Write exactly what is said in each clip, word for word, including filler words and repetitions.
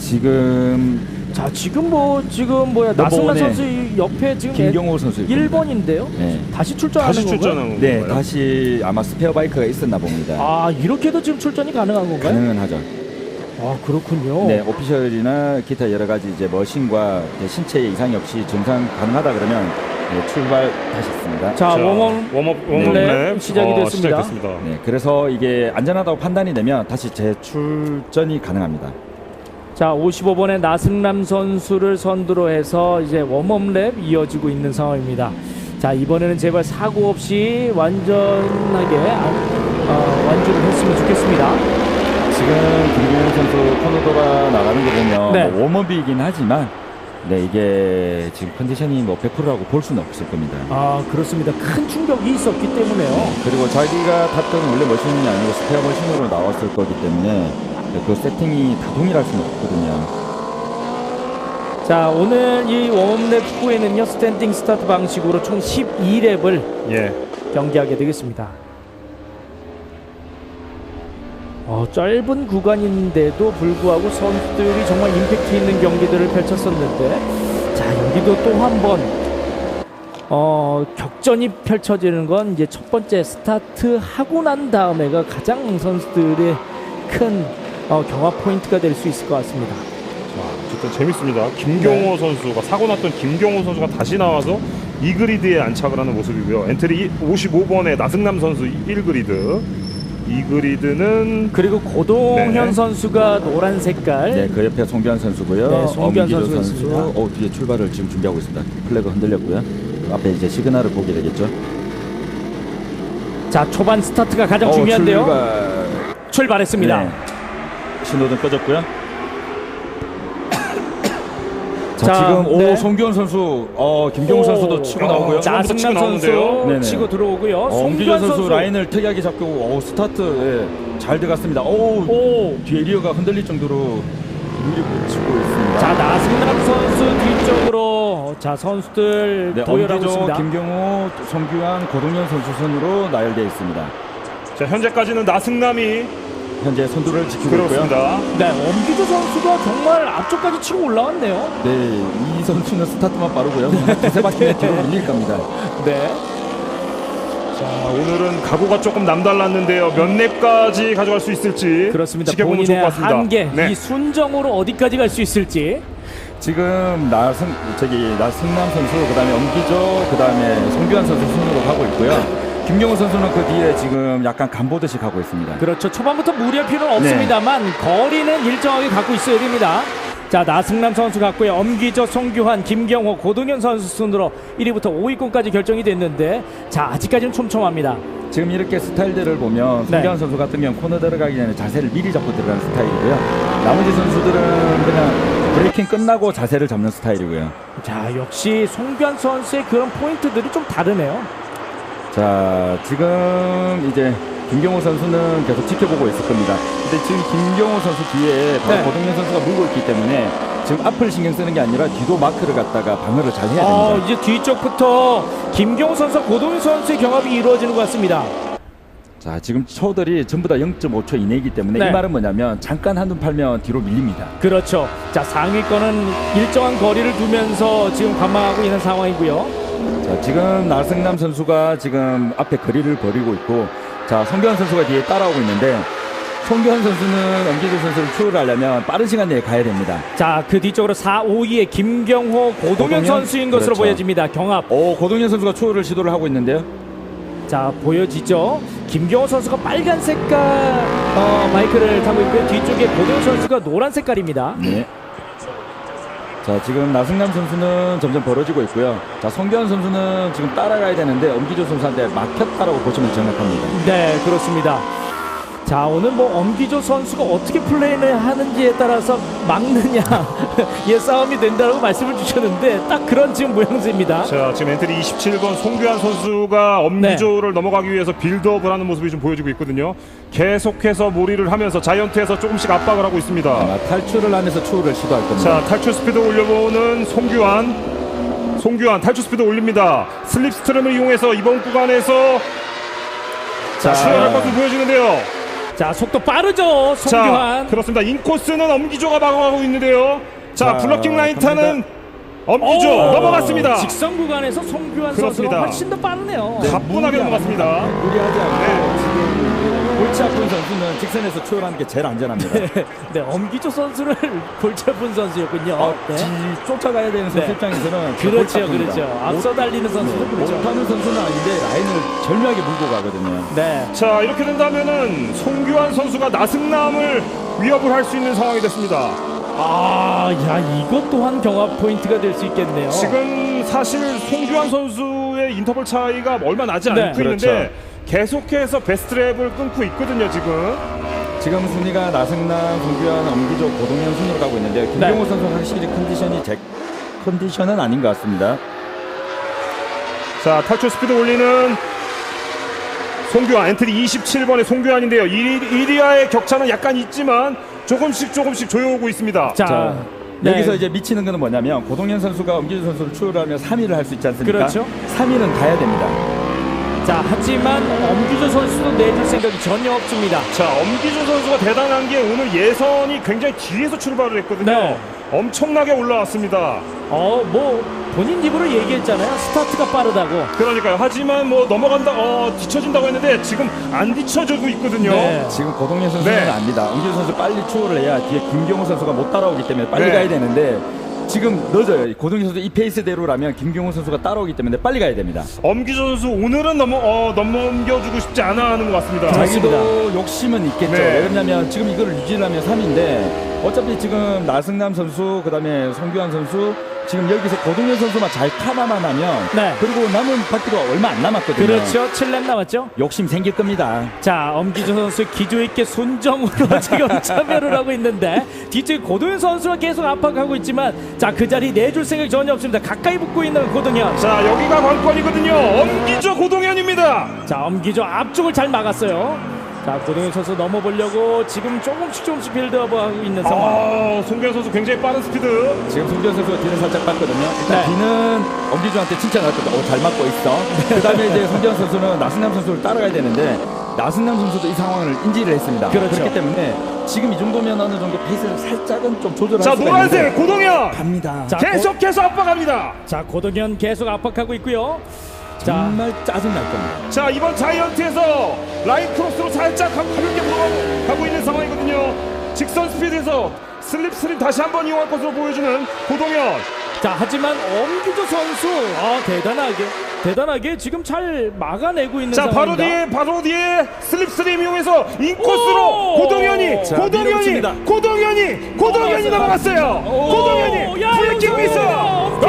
지금 자 지금 뭐 지금 뭐야 나승란 선수 옆에 지금 김경호 선수 일 번인데요. 네. 다시 출전하는 다시 출전하는 건가요? 네, 다시 아마 스페어 바이크가 있었나 봅니다. 아 이렇게도 지금 출전이 가능한 건가요? 가능은 하죠. 아 그렇군요. 네, 오피셜이나 기타 여러 가지 이제 머신과 이제 신체의 이상이 없이 정상 가능하다 그러면 네, 출발하셨습니다. 자, 자 웜업 웜업 웜업 랩 시작이 어, 됐습니다. 시작됐습니다. 네, 그래서 이게 안전하다고 판단이 되면 다시 재출전이 가능합니다. 자, 오십오 번의 나승남 선수를 선두로 해서 이제 웜업 랩 이어지고 있는 상황입니다. 자, 이번에는 제발 사고 없이 완전하게 어, 완주를 했으면 좋겠습니다. 지금 김경호 선수 코너 돌아 나가는 거 보면 네. 뭐 웜업이긴 하지만 네, 이게 지금 컨디션이 뭐 백 퍼센트라고 볼 수는 없을 겁니다. 아, 그렇습니다. 큰 충격이 있었기 때문에요. 네, 그리고 자기가 탔던 원래 머신이 아니고 스페어 머신으로 나왔을 거기 때문에 그 세팅이 다 동일할 수는 없거든요. 자, 오늘 이 웜랩 후에는요 스탠딩 스타트 방식으로 총 십이 랩을 예. 경기하게 되겠습니다. 어, 짧은 구간인데도 불구하고 선수들이 정말 임팩트 있는 경기들을 펼쳤었는데, 자 여기도 또 한 번 어, 격전이 펼쳐지는 건 이제 첫 번째 스타트 하고 난 다음에가 가장 선수들의 큰 어, 경합 포인트가 될 수 있을 것 같습니다. 자, 어쨌든 재밌습니다. 김경호 네. 선수가 사고 났던 김경호 선수가 다시 나와서 이 그리드에 안착을 하는 모습이고요. 엔트리 오십오 번의 나승남 선수 일 그리드. 이 그리드는 그리고 고동현 네. 선수가 노란 색깔. 네, 그 옆에 송규환 선수고요. 네, 송규환 엄기조 선수가 선수. 있습니다. 어, 뒤에 출발을 지금 준비하고 있습니다. 플래그 흔들렸고요. 앞에 이제 시그널을 보게 되겠죠. 자, 초반 스타트가 가장 어, 중요한데요. 출발. 출발했습니다. 네. 신호등 꺼졌고요. 자, 자, 지금 오 네. 송규환 선수, 어 김경호 오, 선수도 치고 어, 나오고요. 자, 나승남 치고 선수 나오는데요. 치고 들어오고요. 어, 엄기조 송규환 선수, 선수 라인을 특이하게 잡고 오, 스타트 예, 잘 들어갔습니다. 오, 오. 뒤에 리어가 흔들릴 정도로 밀고 치고 있습니다. 자, 나승남 선수 뒤쪽으로 자 선수들 네, 도열하고 엄기조, 있습니다. 김경호, 송규환, 고동현 선수 순으로 나열되어 있습니다. 자, 현재까지는 나승남이 현재 선두를 지키고 있고요. 그렇습니다. 네, 엄기조 선수가 정말 앞쪽까지 치고 올라왔네요. 네, 이 선수는 스타트만 빠르고요. 두세 바퀴 뒤로 밀릴 겁니다. 네. 자, 오늘은 각오가 조금 남달랐는데요. 몇 랩까지 가져갈 수 있을지 그렇습니다. 지켜보면 좋을 본인의 것 같습니다. 한계, 네. 이 순정으로 어디까지 갈 수 있을지. 지금 나승 저기 나승남 선수, 그다음에 엄기조, 그다음에 송규환 선수 순으로 가고 있고요. 김경호 선수는 그 뒤에 지금 약간 간보듯이 가고 있습니다. 그렇죠. 초반부터 무리할 필요는 없습니다만 네. 거리는 일정하게 갖고 있어야 됩니다. 자, 나승남 선수 같고요. 엄기조, 송규환, 김경호, 고동현 선수 순으로 일 위부터 오 위권까지 결정이 됐는데, 자 아직까지는 촘촘합니다. 지금 이렇게 스타일들을 보면 네. 송규환 선수 같은 경우는 코너 들어가기 전에 자세를 미리 잡고 들어가는 스타일이고요. 나머지 선수들은 그냥 브레이킹 끝나고 자세를 잡는 스타일이고요. 자, 역시 송규환 선수의 그런 포인트들이 좀 다르네요. 자, 지금 이제 김경호 선수는 계속 지켜보고 있을 겁니다. 근데 지금 김경호 선수 뒤에 바로 네. 고동현 선수가 물고 있기 때문에 지금 앞을 신경 쓰는 게 아니라 뒤도 마크를 갖다가 방어를 잘 해야 됩니다. 어, 이제 뒤쪽부터 김경호 선수와 고동현 선수의 경합이 이루어지는 것 같습니다. 자, 지금 초들이 전부 다 영 점 오 초 이내이기 때문에 네. 이 말은 뭐냐면 잠깐 한눈 팔면 뒤로 밀립니다. 그렇죠. 자, 상위권은 일정한 거리를 두면서 지금 관망하고 있는 상황이고요. 자, 지금 나승남 선수가 지금 앞에 거리를 벌이고 있고, 자, 송규환 선수가 뒤에 따라오고 있는데, 송규환 선수는 엄기조 선수를 추월하려면 빠른 시간 내에 가야 됩니다. 자, 그 뒤쪽으로 사, 오 위에 김경호, 고동현, 고동현? 선수인 것으로 그렇죠. 보여집니다. 경합. 오, 고동현 선수가 추월을 시도를 하고 있는데요. 자, 보여지죠. 김경호 선수가 빨간 색깔 어, 마이크를 타고 있고요. 뒤쪽에 고동현 선수가 노란 색깔입니다. 네. 자, 지금 나승남 선수는 점점 벌어지고 있고요. 자, 송규환 선수는 지금 따라가야 되는데 엄기조 선수한테 막혔다라고 보시면 정확합니다. 네, 그렇습니다. 자, 오늘 뭐 엄기조 선수가 어떻게 플레이를 하는지에 따라서 막느냐 예, 싸움이 된다고 말씀을 주셨는데 딱 그런 지금 모양새입니다. 자, 지금 엔트리 이십칠 번 송규환 선수가 엄기조를 네. 넘어가기 위해서 빌드업을 하는 모습이 좀 보여지고 있거든요. 계속해서 몰이를 하면서 자이언트에서 조금씩 압박을 하고 있습니다. 아마 탈출을 하면서 추월을 시도할 겁니다. 자, 탈출 스피드 올려보는 송규환. 송규환 탈출 스피드 올립니다. 슬립스트림을 이용해서 이번 구간에서 자, 출발할 것으로 보여지는데요. 자, 속도 빠르죠. 자, 송규환. 그렇습니다. 인코스는 엄기조가 막아가고 있는데요. 자, 자, 블러킹 라인 타는 갑니다. 엄기조 오! 넘어갔습니다. 직선 구간에서 송규환 선수가 그렇습니다. 훨씬 더 빠르네요. 네. 가뿐하게 넘어갔습니다. 무리하지 않고 네. 지금 골치 아픈 선수는 직선에서 추월하는 게 제일 안전합니다. 네, 엄기조 선수를 골치 아픈 선수였군요. 어, 네. 지, 쫓아가야 되는 선수 네. 입장에서는 그렇죠, 골치 아픕니다. 그렇죠. 앞서 달리는 선수도 네, 그렇죠. 못하는 선수는 아닌데 라인을 절묘하게 물고 가거든요. 네. 자, 이렇게 된다면은 송규환 선수가 나승남을 위협을 할 수 있는 상황이 됐습니다. 아, 야, 이것 또한 경합 포인트가 될 수 있겠네요. 지금 사실 송규환 선수의 인터벌 차이가 얼마 나지 네. 않고 있는데 계속해서 베스트랩을 끊고 있거든요, 지금. 지금 순위가 나승남, 송규환, 엄기조, 고동현 순으로 가고 있는데 김경호 네. 선수 확실히 컨디션이 제 컨디션은 아닌 것 같습니다. 자, 탈출 스피드 올리는 송규환, 엔트리 이십칠 번의 송규환인데요. 일 위와의 격차는 약간 있지만 조금씩 조금씩 조여오고 있습니다. 자, 자, 네. 여기서 이제 미치는 거는 뭐냐면 고동현 선수가 엄기조 선수를 추월하며 삼 위를 할 수 있지 않습니까? 그렇죠. 삼 위는 가야 됩니다. 자, 하지만 엄기조 선수도 내줄 생각이 전혀 없습니다. 자, 엄기조 선수가 대단한 게 오늘 예선이 굉장히 뒤에서 출발을 했거든요. 네. 엄청나게 올라왔습니다. 어, 뭐 본인 입으로 얘기했잖아요. 스타트가 빠르다고. 그러니까요. 하지만 뭐 넘어간다, 어, 뒤쳐진다고 했는데 지금 안 뒤쳐지고 있거든요. 네. 지금 고동현 선수는 네. 압니다. 엄기조 선수 빨리 추월을 해야 뒤에 김경호 선수가 못 따라오기 때문에 빨리 네. 가야 되는데 지금 늦어요. 고동현 선수 이 페이스대로라면 김경호 선수가 따라오기 때문에 빨리 가야 됩니다. 엄기조 선수 오늘은 넘어, 어, 넘겨주고 싶지 않아 하는 것 같습니다. 자기도 욕심은 있겠죠. 네. 왜 그러냐면 지금 이거를 유지하면 삼 위인데 어차피 지금 나승남 선수 그다음에 송규환 선수 지금 여기서 고동현 선수만 잘 카바만 하면 네. 그리고 남은 바퀴도 얼마 안 남았거든요. 그렇죠. 칠 렙 남았죠. 욕심 생길 겁니다. 자, 엄기조 선수 기조 있게 순정으로 지금 참여를 하고 있는데 뒤쪽에 고동현 선수가 계속 압박하고 있지만 자, 그 자리 내줄 생각이 전혀 없습니다. 가까이 붙고 있는 고동현. 자, 여기가 관건이거든요. 엄기조 고동현입니다. 자, 엄기조 앞쪽을 잘 막았어요. 자, 고동현 선수 넘어보려고 지금 조금씩 조금씩 빌드업하고 있는 상황. 아, 송규환 선수 굉장히 빠른 스피드. 지금 송규환 선수가 뒤를 살짝 봤거든요. 일단 네. 뒤는 엄기준한테 칭찬을 했거든요. 오, 잘 맞고 있어. 그 다음에 이제 송규환 선수는 나승남 선수를 따라가야 되는데 나승남 선수도 이 상황을 인지를 했습니다. 그렇죠. 그렇기 때문에 지금 이 정도면 어느 정도 페이스를 살짝은 좀 조절할 자, 수가 노란색 있는데 고동현. 갑니다. 자, 계속해서 압박합니다. 자, 고동현 계속 압박하고 있고요. 자, 정말 짜증날 겁니다. 자, 이번 자이언트에서 라인 크로스로 살짝 가볍게 물어가고 있는 상황이거든요. 직선 스피드에서 슬립 슬립 다시 한번 이용할 것으로 보여주는 고동현. 자, 하지만 엄기조 선수 아, 대단하게 대단하게 지금 잘 막아내고 있는 자, 바로 상황입니다. 뒤에 바로 뒤에 슬립 슬립 이용해서 인코스로 오! 고동현이 자, 고동현이 밀어붙입니다. 고동현이 고동현이 넘어갔어요. 오! 고동현이 야, 브레이킹 여기서 미스. 엄기조!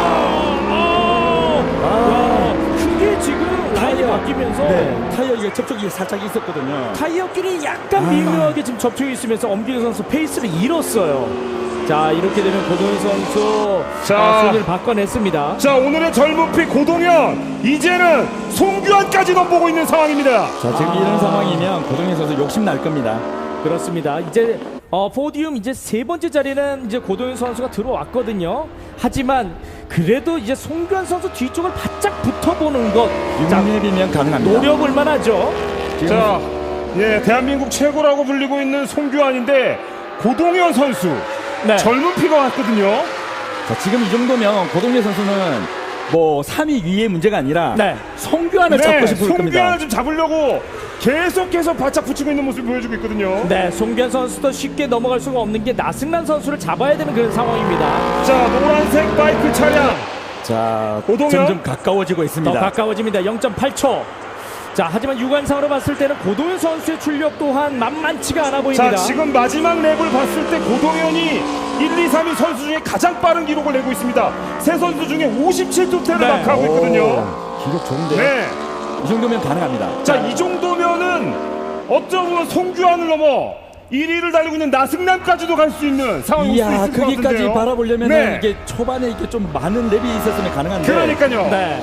아! 아, 크게 지금 라인이 바뀌면서 네, 타이어 이게 접촉이 살짝 있었거든요. 타이어끼리 약간 아. 미묘하게 지금 접촉이 있으면서 엄기조 선수 페이스를 잃었어요. 자, 이렇게 되면 고동현 선수 자. 아, 손을 바꿔냈습니다. 자, 오늘의 젊은 피 고동현, 이제는 송규환까지 넘보고 있는 상황입니다. 자, 지금 아. 이런 상황이면 고동현 선수 욕심 날 겁니다. 그렇습니다. 이제 어, 포디움 이제 세 번째 자리는 이제 고동현 선수가 들어왔거든요. 하지만 그래도 이제 송규환 선수 뒤쪽을 바짝 붙어보는 것, 자, 육 렙이면 가능합니다. 노려볼 만하죠. 지금 자, 예, 대한민국 최고라고 불리고 있는 송규환인데 고동현 선수 네. 젊은 피가 왔거든요. 자, 지금 이 정도면 고동현 선수는 뭐 삼 위 위의 문제가 아니라 네. 송규환을 잡고 싶을 겁니다. 송규환을 좀 잡으려고 계속해서 바짝 붙이고 있는 모습을 보여주고 있거든요. 네, 송규환 선수도 쉽게 넘어갈 수가 없는 게 나승란 선수를 잡아야 되는 그런 상황입니다. 자, 노란색 바이크 차량. 자, 고동현? 점점 가까워지고 더 있습니다. 가까워집니다. 영 점 팔 초. 자, 하지만 육안상으로 봤을 때는 고동현 선수의 출력 또한 만만치가 않아 보입니다. 자, 지금 마지막 랩을 봤을 때 고동현이 일, 이, 삼 위 선수 중에 가장 빠른 기록을 내고 있습니다. 세 선수 중에 오십칠 도태를 네. 마크하고 있거든요. 오, 기록 좋은데요. 네. 이 정도면 가능합니다. 자, 이 정도면은 어쩌면 송규환을 넘어 일 위를 달리고 있는 나승남까지도 갈 수 있는 상황이 올수 이야, 있을 것 거기까지 같은데요. 바라보려면 네. 이게 초반에 이게 좀 많은 랩이 있었으면 가능한데. 그러니까요. 네.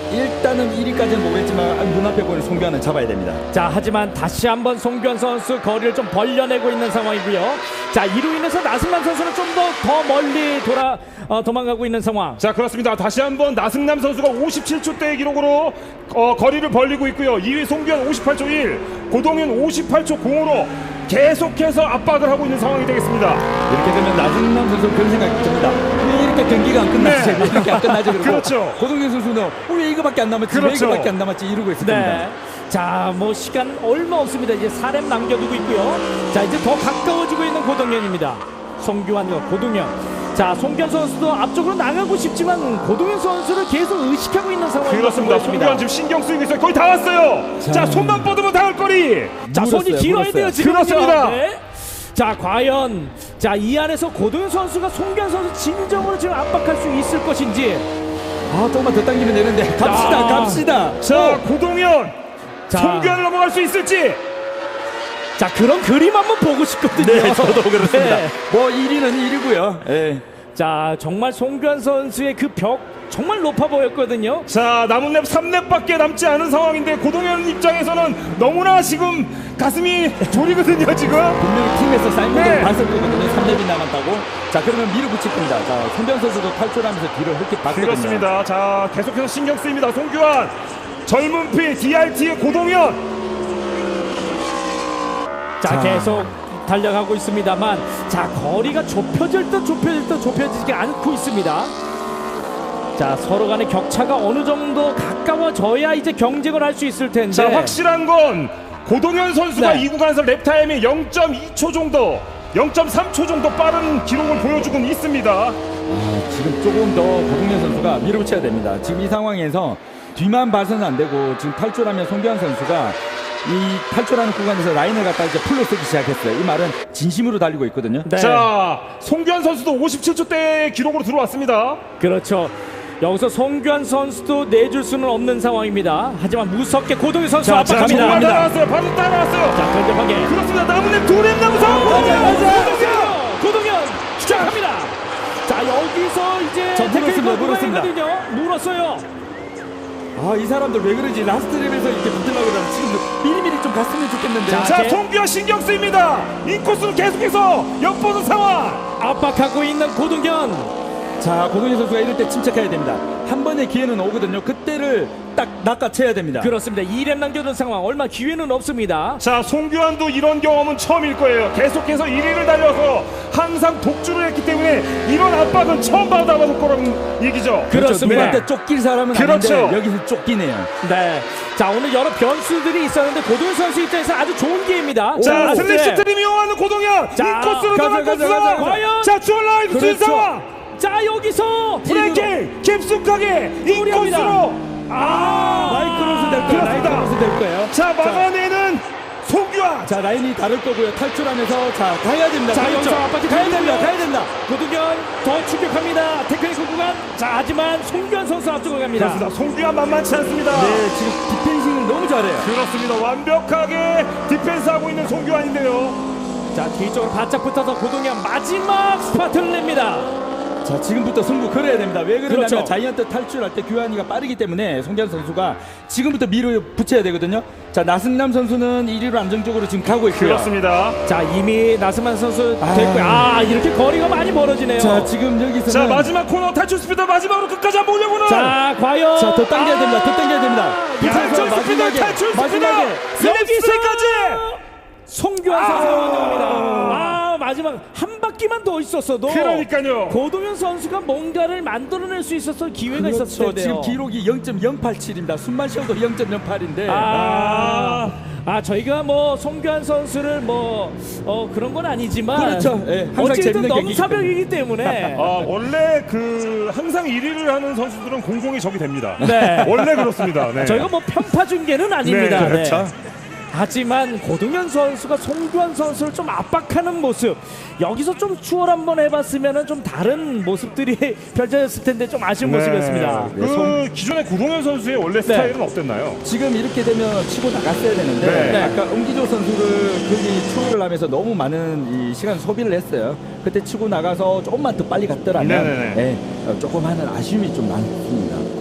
일단은 일 위까지는 모르겠지만 눈앞에 보이는 송규환은 잡아야 됩니다. 자, 하지만 다시 한번 송규환 선수 거리를 좀 벌려내고 있는 상황이고요. 자, 이로 인해서 나승남 선수는 좀 더 더 멀리 돌아 어, 도망가고 있는 상황. 자, 그렇습니다. 다시 한번 나승남 선수가 오십칠 초대의 기록으로 어, 거리를 벌리고 있고요. 이 위 송규환 오십팔 초 일, 고동현 오십팔 초 공으로 계속해서 압박을 하고 있는 상황이 되겠습니다. 이렇게 되면 나승남 선수 그런 생각이 듭니다. 왜 이렇게 경기가 안 끝나지? 네. 왜 이렇게 안 끝나지? 그리고 그렇죠. 고동현 선수는 어, 왜 이거밖에 안 남았지? 그렇죠. 왜 이거밖에 안 남았지? 이러고 있을 네. 겁니다. 자, 뭐 시간 얼마 없습니다. 이제 사 렙 남겨두고 있고요. 자, 이제 더 가까워지고 있는 고동현입니다. 송규환과 고동현. 자, 송규환 선수도 앞쪽으로 나가고 싶지만 고동현 선수를 계속 의식하고 있는 상황이 그렇습니다. 송규환 지금 신경 쓰이고 있어요. 거의 다 왔어요. 자, 자, 손만 뻗으면 닿을 거리. 자, 손이 물었어요, 길어야 물었어요. 돼요, 지금. 그렇습니다. 자, 과연 자, 이 안에서 고동현 선수가 송규환 선수 진정으로 지금 압박할 수 있을 것인지. 아, 조금만 더 당기면 되는데. 갑시다, 아. 갑시다. 자, 어. 고동현. 자. 송규환을 넘어갈 수 있을지. 자, 그런 그림 한번 보고 싶거든요. 네, 저도 그렇습니다. 네. 뭐 일 위는 일 위고요. 예. 자, 정말 송규환 선수의 그 벽 정말 높아 보였거든요. 자, 남은 랩 삼 랩밖에 남지 않은 상황인데 고동현 입장에서는 너무나 지금 가슴이 졸이거든요, 지금. 분명히 팀에서 사인보드를 네. 발설거든요. 삼 렙이 남았다고. 자, 그러면 밀어붙일 겁니다. 자, 송규환 선수도 탈출하면서 뒤를 흙게 봤거든요. 그렇습니다. 자, 계속해서 신경 쓰입니다. 송규환. 젊은 피 디알티의 고동현. 자, 자. 계속 달려가고 있습니다만, 자, 거리가 좁혀질 듯 좁혀질 듯 좁혀지지 않고 있습니다. 자, 서로 간의 격차가 어느 정도 가까워져야 이제 경쟁을 할 수 있을 텐데. 자, 확실한 건 고동현 선수가 네. 이 구간에서 랩타임이 영 점 이 초 정도, 영 점 삼 초 정도 빠른 기록을 보여주고 있습니다. 아, 지금 조금 더 고동현 선수가 밀어붙여야 됩니다. 지금 이 상황에서 뒤만 봐서는 안 되고 지금 탈출하면 송규환 선수가 이 탈출하는 구간에서 라인을 갖다 이제 풀로 쓰기 시작했어요. 이 말은 진심으로 달리고 있거든요. 네. 자, 송규환 선수도 오십칠 초대 기록으로 들어왔습니다. 그렇죠. 여기서 송규환 선수도 내줄 수는 없는 상황입니다. 하지만 무섭게 고동현 선수 자, 자, 자, 압박합니다. 정말 따라왔어요. 바로 따라왔어요. 자, 견뎌하게. 그렇습니다. 남은 랩 두 랩 남은 상황. 맞아, 맞아. 고동현. 고동현 시작합니다. 자, 여기서 이제 자, 물었습니다, 테크니컬 물었습니다. 구간이거든요. 물었어요. 아, 이 사람들 왜 그러지? 라스트 랩에서 이렇게 붙으려고 그러면 지금 미리미리 좀 갔으면 좋겠는데. 자, 자, 네. 송규환 신경 쓰입니다. 인코스로 계속해서 엿보는 상황. 압박하고 있는 고동현. 자, 고동현 선수가 이럴 때 침착해야 됩니다. 한 번의 기회는 오거든요. 그때를 딱 낚아채야 됩니다. 그렇습니다. 이 렙 남겨둔 상황 얼마 기회는 없습니다. 자, 송규환도 이런 경험은 처음일 거예요. 계속해서 일 위를 달려서 항상 독주를 했기 때문에 이런 압박은 처음 받아볼 거라는 얘기죠. 그렇습니다. 누구한테 쫓길 사람은 그렇죠. 아닌데 여기서 쫓기네요. 네. 자, 오늘 여러 변수들이 있었는데 고동현 선수 입장에서 아주 좋은 기회입니다. 자, 라스트 슬래시 랩. 트림 이용하는 고동현. 자, 인코스로 가자, 들어갈 가자, 상황. 가자, 과연? 자, 주얼라이브 준 그렇죠. 상황. 자, 여기서 브레이킹 깊숙하게 무리합니다. 인코스로. 아, 마이크로스 될 거예요. 그렇습니다. 마이크로스 될 거예요. 자, 막아내는 송규환. 자, 라인이 다를 거고요. 탈출하면서 자, 가야 됩니다. 자, 그렇죠. 여기서 압박이 가야 들어오고요. 됩니다. 가야 됩니다. 고동현 더 추격합니다. 테크니컬 구간. 자, 하지만 송규환 선수 앞쪽으로 갑니다. 그렇습니다. 송규환 만만치 않습니다. 네, 지금 디펜싱을 너무 잘해요. 그렇습니다. 완벽하게 디펜스하고 있는 송규환인데요. 자, 뒤쪽으로 바짝 붙어서 고동현 마지막 스파트를 냅니다. 자, 지금부터 승부 걸어야 됩니다. 왜 그러냐면 그렇죠. 자이언트 탈출할 때 규환이가 빠르기 때문에 송규환 선수가 지금부터 밀어 붙여야 되거든요. 자, 나승남 선수는 일 위로 안정적으로 지금 가고 있고요. 그렇습니다. 자, 이미 나스만 선수 아. 됐고요. 아, 이렇게 거리가 많이 멀어지네요. 자, 지금 여기서는 자, 마지막 코너 탈출 스피드 마지막으로 끝까지 한번 올려보는. 자, 과연 자, 더 당겨야 아. 됩니다. 더 당겨야 됩니다. 탈출 스피드, 마지막에, 탈출 스피드. 마지막에 슬립스까지. 송규환 아. 선수가 완성합니다. 아, 마지막 한 바퀴만 더 있었어도 그러니까요. 고동현 선수가 뭔가를 만들어낼 수 있었을 기회가 있었을 그렇죠. 텐데요. 지금 기록이 영 점 영팔칠입니다. 숨만 쉬어도 영 점 영팔인데. 아, 아, 저희가 뭐 송규환 선수를 뭐 어, 그런 건 아니지만 그렇죠. 예, 항상 어쨌든 재밌는 경기이기 넘사벽이기 때문에 아, 원래 그 항상 일 위를 하는 선수들은 공공이 적이 됩니다. 네. 원래 그렇습니다. 네. 저희가 뭐 편파 중계는 아닙니다. 네, 그렇죠. 하지만 고동현 선수가 송규환 선수를 좀 압박하는 모습, 여기서 좀 추월 한번 해봤으면 좀 다른 모습들이 펼쳐졌을 텐데 좀 아쉬운 네. 모습이었습니다. 그 네, 송- 기존의 고동현 선수의 원래 스타일은 어땠나요? 지금 이렇게 되면 치고 나갔어야 되는데 네. 아까 엄기조 선수를 거기 추월을 하면서 너무 많은 이 시간 소비를 했어요. 그때 치고 나가서 조금만 더 빨리 갔더라면 네네네. 예, 어, 조금 하는 아쉬움이 좀 많습니다.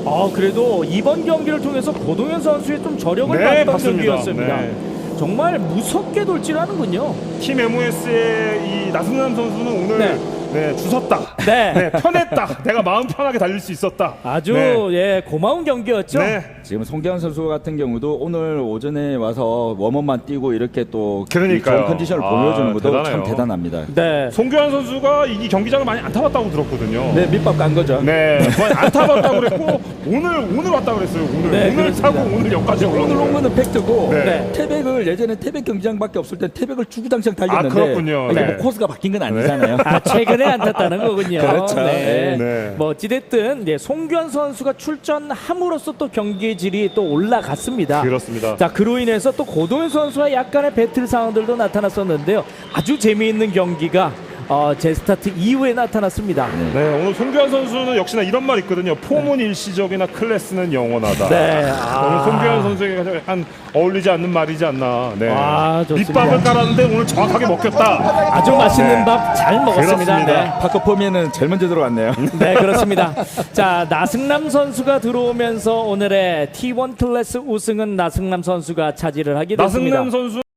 어, 그래도 이번 경기를 통해서 고동현 선수의 좀 저력을 네, 봤던 맞습니다. 경기였습니다. 네. 정말 무섭게 돌진하는군요. 팀 엠오에스의 이 나승남 선수는 오늘 네. 네, 주섰다. 네. 네, 편했다. 내가 마음 편하게 달릴 수 있었다. 아주 네. 예 고마운 경기였죠. 네. 지금 송기환 선수 같은 경우도 오늘 오전에 와서 웜업만 뛰고 이렇게 또 그러니까요. 좋은 컨디션을 아, 보여주는 것도 참 대단해요. 대단합니다. 네. 송규환 선수가 이 경기장을 많이 안 타봤다고 들었거든요. 네, 밑밥 간 거죠. 네, 거의 안 타봤다고 그랬고 오늘 오늘 왔다고 그랬어요. 오늘 네, 오늘 그렇습니다. 타고 오늘 여기까지 오늘 올라온 온 거예요. 거는 팩트고 네. 네. 태백을 예전에 태백 경기장밖에 없을 때 태백을 주구장창 달렸는데 아, 그렇군요. 이게 네. 뭐 코스가 바뀐 건 아니잖아요. 아, 최근에 안 탔다는 거군요. 그렇죠. 네. 네. 뭐 어찌됐든 예, 송규환 선수가 출전함으로써 또 경기 질이 또 올라갔습니다. 그렇습니다. 자, 그로 인해서 또 고동현 선수와 약간의 배틀 상황들도 나타났었는데요. 아주 재미있는 경기가 어, 제스타트 이후에 나타났습니다. 네, 오늘 송규환 선수는 역시나 이런 말 있거든요. 폼은 일시적이나 클래스는 영원하다. 네. 오늘 송규환 선수에게 한 어울리지 않는 말이지 않나. 네. 아, 좋습니다. 밑밥을 깔았는데 오늘 정확하게 먹혔다. 아주 맛있는 네. 밥 잘 먹었습니다. 그렇습니다. 파커포미에는 제일 먼저 들어갔네요. 네, 네, 그렇습니다. 자, 나승남 선수가 들어오면서 오늘의 티 원 클래스 우승은 나승남 선수가 차지를 하게 됐습니다. 나승남 선수